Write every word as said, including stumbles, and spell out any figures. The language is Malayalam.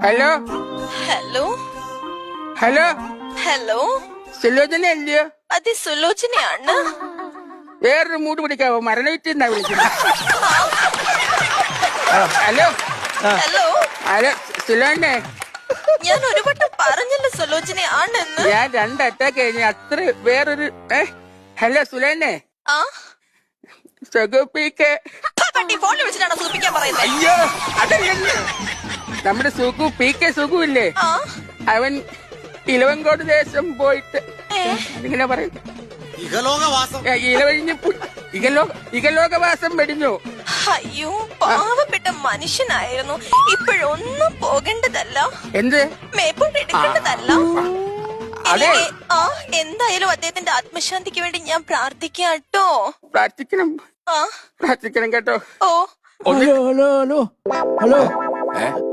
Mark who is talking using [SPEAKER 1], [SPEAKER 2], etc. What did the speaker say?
[SPEAKER 1] Hello
[SPEAKER 2] hello
[SPEAKER 1] hello
[SPEAKER 2] hello
[SPEAKER 1] Sulochana അല്ലയോ?
[SPEAKER 2] അതെ സുലോചനയാണ്.
[SPEAKER 1] വേറൊരു മൂട് പിടിക്കാവോ? മരണവിറ്റെന്നാ വിളിക്കുന്നത്. ഹലോ
[SPEAKER 2] ഹലോ
[SPEAKER 1] ഹലോ സുലോനെ,
[SPEAKER 2] ഞാൻ ഒരു വട്ടം പറഞ്ഞല്ലോ സുലോചനയാണെന്ന്.
[SPEAKER 1] ഞാൻ രണ്ട് അറ്റാക്ക് കഴിഞ്ഞ അത്ര വേറൊരു ഏ ഹലോ സുലോനെ,
[SPEAKER 2] ആ
[SPEAKER 1] സുഖുപ്പിക്ക്
[SPEAKER 2] പട്ടി ഫോണിൽ വിളിച്ചിട്ടാണോ സൂപ്പിക്കാൻ പറയുന്നത്?
[SPEAKER 1] അയ്യോ അതല്ല, നമ്മുടെ സുഖു പി കെ സുഖു ഇല്ലേ,
[SPEAKER 2] ആ
[SPEAKER 1] അവൻ ഇലവങ്കോട് ദേശം പോയിട്ട്
[SPEAKER 2] ഏ
[SPEAKER 1] അതിങ്ങനെ പറയുന്നു.
[SPEAKER 3] ഇഹലോകവാസം
[SPEAKER 1] ഏ, ഇലവഴിഞ്ഞ് പു- ഇകലോക ഇകലോകവാസം വെടിഞ്ഞു.
[SPEAKER 2] അയ്യോ പാവപ്പെട്ട മനുഷ്യനായിരുന്നു. ഇപ്പോഴൊന്നും പോകേണ്ടതല്ല,
[SPEAKER 1] എന്ത്?
[SPEAKER 2] മേപ്പോട്ട് എടുക്കേണ്ടതല്ല.
[SPEAKER 1] അതെ,
[SPEAKER 2] ഇനി, ആ എന്തായാലും അദ്ദേഹത്തിന്റെ ആത്മശാന്തിക്ക് വേണ്ടി ഞാൻ പ്രാർത്ഥിക്കാം കേട്ടോ.
[SPEAKER 1] പ്രാർത്ഥിക്കണം
[SPEAKER 2] ആ
[SPEAKER 1] പ്രാർത്ഥിക്കണം കേട്ടോ.
[SPEAKER 2] ഓ
[SPEAKER 4] ഹലോ ഹലോ ഹലോ ഹലോ
[SPEAKER 3] ഏ